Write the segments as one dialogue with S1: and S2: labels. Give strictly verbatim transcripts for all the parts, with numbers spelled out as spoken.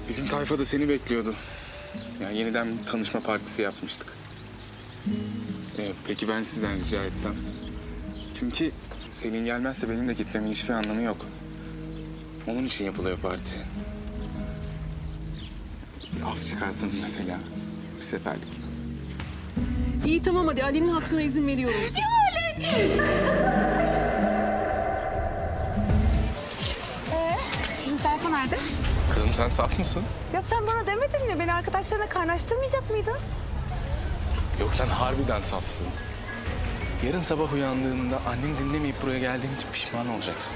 S1: Bizim tayfa da seni bekliyordu. Yani yeniden bir tanışma partisi yapmıştık. Ee, peki ben sizden rica etsem? Çünkü Selin gelmezse benim de gitmemin hiçbir anlamı yok. Onun için yapılıyor parti. Bir af çıkartınız mesela. Bir seferlik.
S2: İyi tamam hadi Ali'nin hatırına izin veriyorum.
S3: Ya Ali! Ee, sizin tayfa nerede?
S1: Kızım sen saf mısın?
S3: Ya sen bana demedin mi? Beni arkadaşlarına kaynaştırmayacak mıydın?
S1: Yok sen harbiden safsın. Yarın sabah uyandığında annen dinlemeyip buraya geldiğin için pişman olacaksın.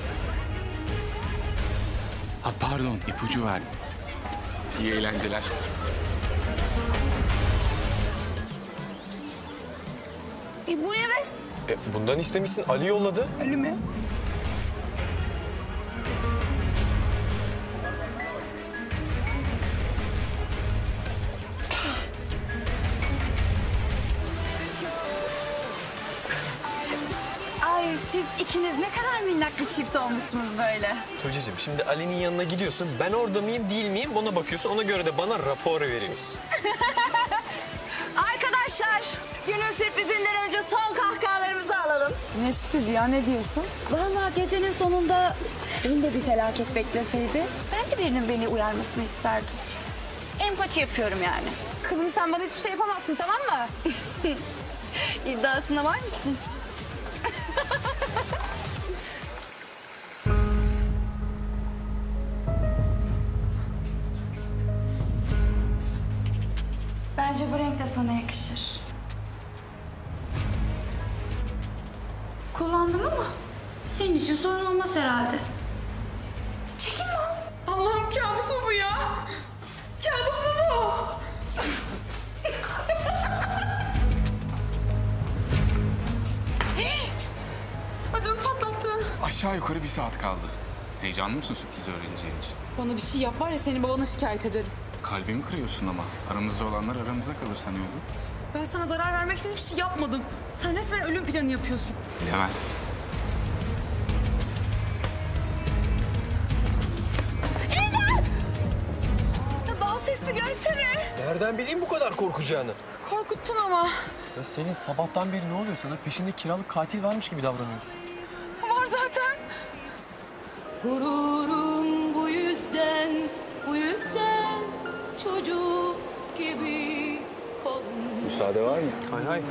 S1: Ha pardon ipucu verdim. İyi eğlenceler.
S3: E bu eve?
S4: E, bundan istemişsin. Ali yolladı.
S3: Ali mi? Ay siz ikiniz ne kadar minnak bir çift olmuşsunuz böyle.
S4: Tuğçe'cim şimdi Ali'nin yanına gidiyorsun. Ben orada mıyım değil miyim ona bakıyorsun. Ona göre de bana rapor veririz.
S3: Arkadaşlar günün sürprizinden önce son kahkahalarımızı alalım. Ne sürpriz ya ne diyorsun? Vallahi gecenin sonunda beni de bir felaket bekleseydi ben de birinin beni uyarmasını isterdim. Empati yapıyorum yani. Kızım sen bana hiçbir şey yapamazsın tamam mı? İddiasına var mısın? Bence bu renk de sana yakışır. Kullandım ama senin için sorun olmaz herhalde. Çekinme.
S2: Allah'ım kabus mu bu ya? Kabus mu bu? Ödüm patlattı.
S1: Aşağı yukarı bir saat kaldı. Heyecanlı mısın sürpriz öğreneceğin için?
S2: Bana bir şey yap var ya seni babana şikayet ederim.
S1: Kalbimi kırıyorsun ama. Aramızda olanlar aramızda kalır sanıyordum.
S2: Ben sana zarar vermek için hiçbir şey yapmadım. Sen resmen ölüm planı yapıyorsun.
S1: Bilemezsin.
S2: Ya daha sesli gelsene.
S4: Nereden bileyim bu kadar korkacağını?
S2: Korkuttun ama.
S4: Ya senin sabahtan beri ne oluyor sana? Peşinde kiralık katil varmış gibi davranıyorsun.
S2: Var zaten.
S5: Gururum bu yüzden, bu yüzden çocuk gibi kolum.
S1: Müsaade var mı?
S4: Hay hay.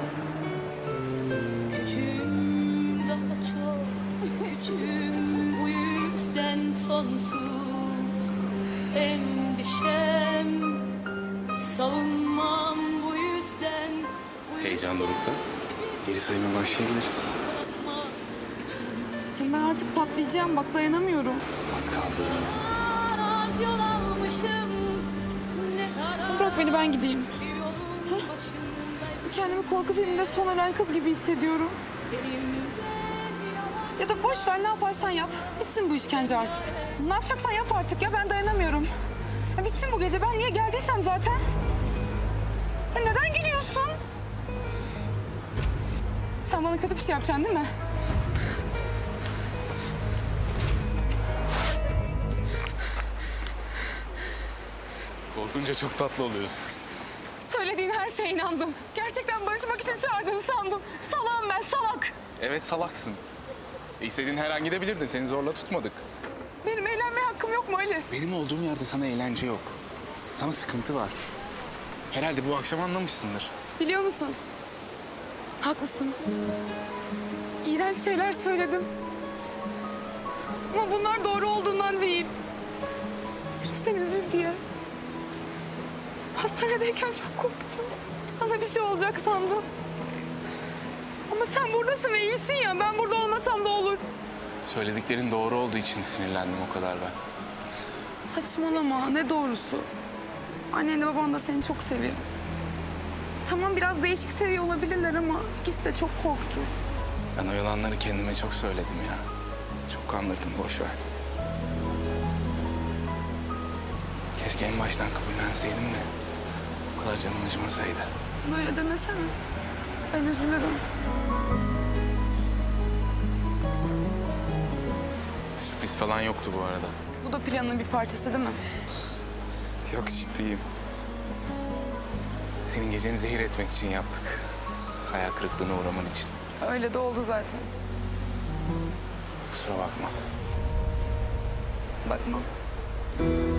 S5: Gücüm daha çok, gücüm bu yüzden sonsuz. Endişem, savunmam bu yüzden. Bu
S1: Heyecan dorukta. Geri sayıma başlayabiliriz.
S2: Ben artık patlayacağım bak dayanamıyorum.
S1: Az kaldı.
S5: Az yol almışım, ne kadar
S2: Bırak beni ben gideyim.
S5: yolun başındayım.
S2: Kendimi korku filminde son ölen kız gibi hissediyorum. Ya da boş ver ne yaparsan yap. Bitsin bu işkence artık. Ne yapacaksan yap artık ya ben dayanamıyorum. Ya bitsin bu gece ben niye geldiysem zaten. Ya neden gülüyorsun? Sen bana kötü bir şey yapacaksın değil mi?
S1: Korkunca çok tatlı oluyorsun.
S2: Söylediğin her şeye inandım. Gerçekten barışmak için çağırdığını sandım. Salağım ben salak.
S1: Evet salaksın. E, İstediğin her an gidebilirdin. Seni zorla tutmadık.
S2: Benim eğlenmeye hakkım yok mu Ali?
S1: Benim olduğum yerde sana eğlence yok. Sana sıkıntı var. Herhalde bu akşam anlamışsındır.
S2: Biliyor musun? Haklısın. İğrenç şeyler söyledim. Ama bunlar doğru olduğundan değil. Sırf sen üzül diye. Hastanedeyken çok korktum. Sana bir şey olacak sandım. Ama sen buradasın ve iyisin ya. Ben burada olmasam da olur.
S1: Söylediklerin doğru olduğu için sinirlendim o kadar ben.
S2: Saçmalama. Ne doğrusu? Annenle baban da seni çok seviyor. Tamam biraz değişik seviyor olabilirler ama ikisi de çok korktu.
S1: Ben o yalanları kendime çok söyledim ya. Çok kandırdım, boş ver. Keşke en baştan kabullenseydim de o kadar canım acımasaydı.
S2: Böyle demesene. Ben üzülürüm.
S1: Sürpriz falan yoktu bu arada.
S2: Bu da planın bir parçası değil mi?
S1: Yok, ciddiyim. Senin geceni zehir etmek için yaptık. Hayal kırıklığına uğraman için.
S2: Öyle de oldu zaten.
S1: Kusura bakma.
S2: Bakma.